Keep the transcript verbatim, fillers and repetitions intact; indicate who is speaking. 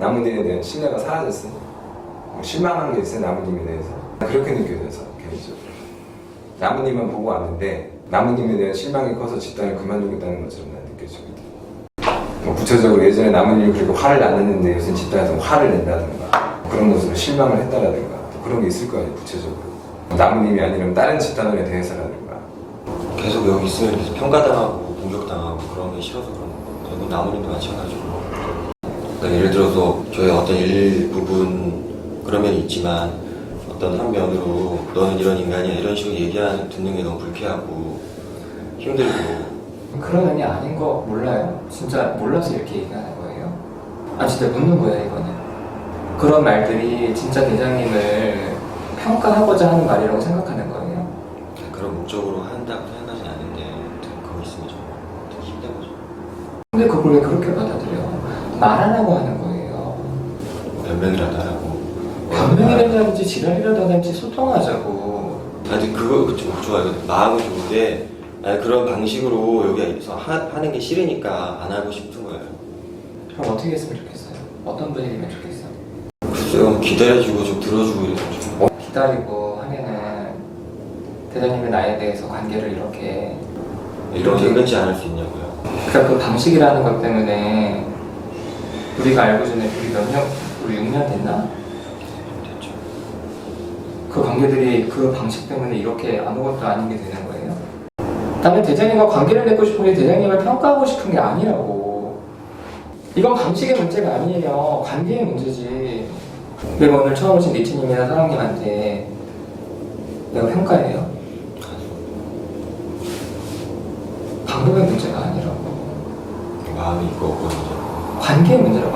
Speaker 1: 나무님에 대한 신뢰가 사라졌어요. 실망한 게 있어요, 나무님에 대해서. 그렇게 느껴져서 개인적으로. 나무님만 보고 왔는데 나무님에 대한 실망이 커서 집단을 그만두겠다는 것처럼 난 느껴지거든. 뭐 구체적으로 예전에 나무님이 그렇게 화를 안 냈는데 요새 집단에서 화를 낸다든가 그런 것으로 실망을 했다라든가 또 그런 게 있을 거 아니에요, 구체적으로. 나무님이 아니면 다른 집단원에 대해서라든가.
Speaker 2: 계속 여기 있으면 계속 평가당하고 공격당하고 그런 게 싫어서 그런 거. 여기 나무님도 마찬가지고. 그러니까 예를 들어서 저희 어떤 일부분 그런 면이 있지만 어떤 한 면으로 너는 이런 인간이야 이런 식으로 얘기하는 듣는 게 너무 불쾌하고 힘들고.
Speaker 3: 그런 면이 아닌 거 몰라요? 진짜 몰라서 이렇게 얘기하는 거예요? 아 진짜 묻는 거예요 이거는. 그런 말들이 진짜 대장님을 평가하고자 하는 말이라고 생각하는 거예요?
Speaker 2: 그런 목적으로 한다고 생각하진 않는데 그거 있으면 좀 되게 힘든 거죠.
Speaker 3: 근데 그걸 왜 그렇게 받아들여? 말하라고 하는 거예요.
Speaker 2: 변명이라도 하라고.
Speaker 3: 변명이라든지 지랄이라도 하든지 소통하자고.
Speaker 2: 아니 그거 좀 좋아요. 마음은 좋은데 아니, 그런 방식으로 여기서 하, 하는 게 싫으니까 안 하고 싶은 거예요.
Speaker 3: 그럼 어떻게 했으면 좋겠어요? 어떤 분위기면 좋겠어요?
Speaker 2: 글쎄요, 기다려주고 좀 들어주고 이런 좀.
Speaker 3: 어? 기다리고 하면은 대장님의 나에 대해서 관계를 이렇게
Speaker 2: 이렇게 은근치 않을 수 있냐고요.
Speaker 3: 그러니까 그 방식이라는 것 때문에 우리가 알고 지낸 우리 몇 년, 우리 육 년 됐나?
Speaker 2: 됐죠.
Speaker 3: 그 관계들이 그 방식 때문에 이렇게 아무것도 아닌 게 되는 거예요? 나는 대장님과 관계를 맺고 싶은 게 대장님을 평가하고 싶은 게 아니라고. 이건 방식의 문제가 아니에요. 관계의 문제지. 내가 오늘 처음 오신 니트님이나 사랑님한테 내가 평가해요? 방법의 문제가 아니라고.
Speaker 2: 마음이 있고 없고
Speaker 3: 관계의 문제라고.